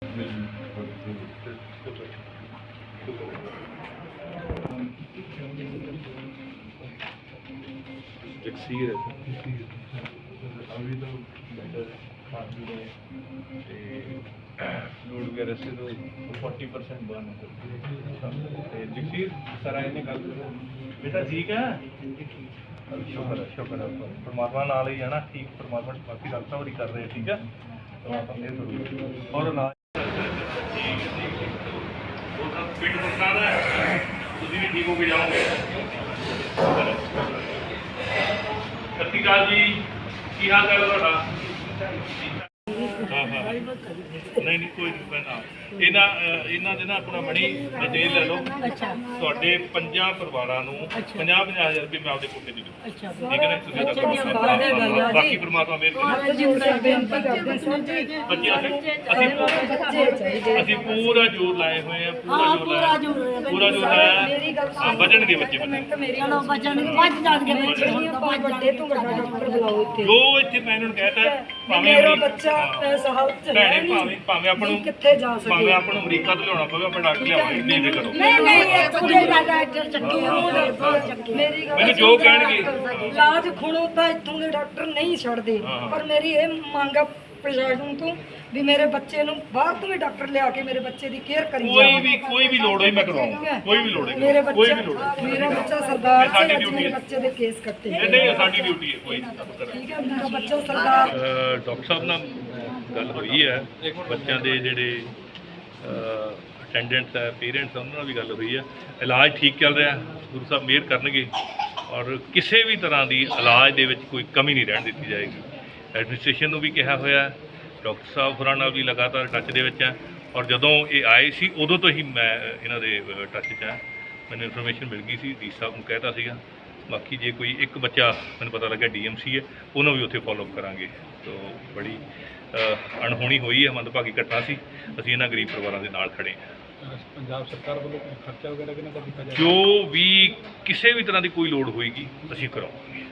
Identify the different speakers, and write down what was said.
Speaker 1: जगसीर अभी तो बेटर खा पी रहे लोड वगैरह से तो 40% बर्न है जगसीर सर आए ने गल करो बेटा ठीक है शुक्र है परमात्मा नाल ही है ना ठीक परमात्मा बाकी गलता बड़ी कर रहे हैं ठीक है परमात्मा ने और ना फिट बना रहा है ਤੁਸੀਂ ਵੀ ਠੀਕ ਹੋ ਕੇ ਜਾਓਗੇ ਸਤਿ ਸ਼੍ਰੀ ਅਕਾਲ ਜੀ ਕੀ ਹਾਲ ਚਾਲ ਤੁਹਾਡਾ हाँ हाँ नहीं नहीं कोई नहीं मैं इन्हों ਦੇ ਨਾ ਆਪਣਾ ਮਣੀ ਡਿਟੇਲ ਲੈ ਲਓ ਤੁਹਾਡੇ 5 ਪਰਿਵਾਰਾਂ ਨੂੰ 50,000 ਰੁਪਏ ਮੈਂ ਆਪਦੇ ਕੋਟੇ ਦੇ ਦੂੰ ਠੀਕ ਹੈ ਨਾ ਤੁਸੀਂ ਬਾਕੀ ਪਰਮਾਤਮਾ ਮਿਹਰ ਕਰੇ ਅਸੀਂ ਪੂਰਾ ਜ਼ੋਰ ਲਾਏ ਹੋਏ ਆ ਪੂਰਾ ਜ਼ੋਰ ਲਾਇਆ ਬਚਣਗੇ ਬੱਚੇ ਜੋ ਇੱਥੇ ਮੈਂ ਇਹਨਾਂ ਨੂੰ ਕਹਿਤਾ ਭਾਵੇਂ ਭਾਵੇਂ ਆਪਾਂ ਨੂੰ ਅਮਰੀਕਾ ਤੋਂ ਲਿਆਉਣਾ ਪਵੇ ਆਪਾਂ ਡਾਕਟਰ ਲਿਆਵਾਂਗੇ ਨਹੀਂ ਫਿਕਰ ਕਰੋ ਮੈਨੂੰ ਜੋ ਕਹਿਣਗੇ
Speaker 2: ਇਲਾਜ ਖੁਣੋ ਤਾਂ ਇੱਥੋਂ ਦੇ ਡਾਕਟਰ ਨਹੀਂ ਛੱਡਦੇ ਪਰ ਮੇਰੀ ਇਹ ਮੰਗ ਆ ਪ੍ਰਸ਼ਾਸਨ ਤੋਂ ਵੀ ਮੇਰੇ ਬੱਚੇ ਨੂੰ ਬਾਹਰ ਤੋਂ ਵੀ ਡਾਕਟਰ ਲਿਆ ਕੇ ਮੇਰੇ ਬੱਚੇ ਦੀ ਕੇਅਰ ਕਰੀ
Speaker 1: ਕੋਈ ਵੀ ਲੋੜ ਹੋਈ ਮੈਂ ਕਰਾਉਂਗਾ ਕੋਈ ਵੀ ਲੋੜ ਹੈ
Speaker 2: ਮੇਰਾ ਬੱਚਾ ਸਰਦਾਰ
Speaker 1: ਸਾਡੀ ਡਿਊਟੀ ਹੈ
Speaker 2: ਬੱਚੇ ਦੇ ਕੇਸ ਕੱਟੇ
Speaker 1: ਨਹੀਂ ਸਾਡੀ ਡਿਊਟੀ ਹੈ ਕੋਈ
Speaker 2: ਠੀਕ ਹੈ ਮੇਰਾ ਬੱਚਾ ਸਰਦਾਰ
Speaker 1: ਡਾਕਟਰ ਸਾਹਿਬ ਨਾਲ ਗੱਲ ਹੋਈ ਹੈ ਬੱਚਿਆਂ ਦੇ ਜਿਹੜੇ ਅਟੈਂਡੈਂਟਸ ਹੈ ਪੇਰੈਂਟਸ ਉਹਨਾਂ ਨਾਲ ਵੀ ਗੱਲ ਹੋਈ ਹੈ ਇਲਾਜ ਠੀਕ ਚੱਲ ਰਿਹਾ ਗੁਰੂ ਸਾਹਿਬ ਮਿਹਰ ਕਰਨਗੇ ਔਰ ਕਿਸੇ ਵੀ ਤਰ੍ਹਾਂ ਦੀ ਇਲਾਜ ਦੇ ਵਿੱਚ ਕੋਈ ਕਮੀ ਨਹੀਂ ਰਹਿਣ ਦਿੱਤੀ ਜਾਏਗੀ ਐਡਮਿਨਿਸਟ੍ਰੇਸ਼ਨ ਨੂੰ ਵੀ ਕਿਹਾ ਹੋਇਆ ਡਾਕਟਰ ਸਾਹਿਬ ਹੋਰਾਂ ਨਾਲ ਵੀ ਲਗਾਤਾਰ ਟੱਚ ਦੇ ਵਿੱਚ ਹੈ ਔਰ ਜਦੋਂ ਇਹ ਆਏ ਸੀ ਉਦੋਂ ਤੋਂ ਹੀ ਮੈਂ ਇਹਨਾਂ ਦੇ ਟੱਚ 'ਚ ਹਾਂ ਮੈਨੂੰ ਇਨਫੋਰਮੇਸ਼ਨ ਮਿਲ ਗਈ ਸੀ ਡੀ ਸਾਹਿਬ ਨੂੰ ਕਹਿਤਾ ਸੀਗਾ ਬਾਕੀ ਜੇ ਕੋਈ ਇੱਕ ਬੱਚਾ ਮੈਨੂੰ ਪਤਾ ਲੱਗਾ DMC ਹੈ ਉਹਨੂੰ ਵੀ ਉੱਥੇ ਫੋਲੋਅਪ ਕਰਾਂਗੇ ਤੋ ਬੜੀ ਅਣਹੋਣੀ ਹੋਈ ਹੈ ਮੰਦਭਾਗੀ ਘਟਨਾ ਸੀ ਅਸੀਂ ਇਹਨਾਂ ਗਰੀਬ ਪਰਿਵਾਰਾਂ ਦੇ ਨਾਲ ਖੜੇ ਹਾਂ
Speaker 3: ਪੰਜਾਬ ਸਰਕਾਰ ਵੱਲੋਂ ਖਰਚਾ ਵਗੈਰਾ ਕਿੰਨਾ ਕੀਤਾ ਜਾਏਗਾ
Speaker 1: ਜੋ ਵੀ ਕਿਸੇ ਵੀ ਤਰ੍ਹਾਂ ਦੀ ਕੋਈ ਲੋੜ ਹੋਏਗੀ ਅਸੀਂ ਕਰਾਂਗੇ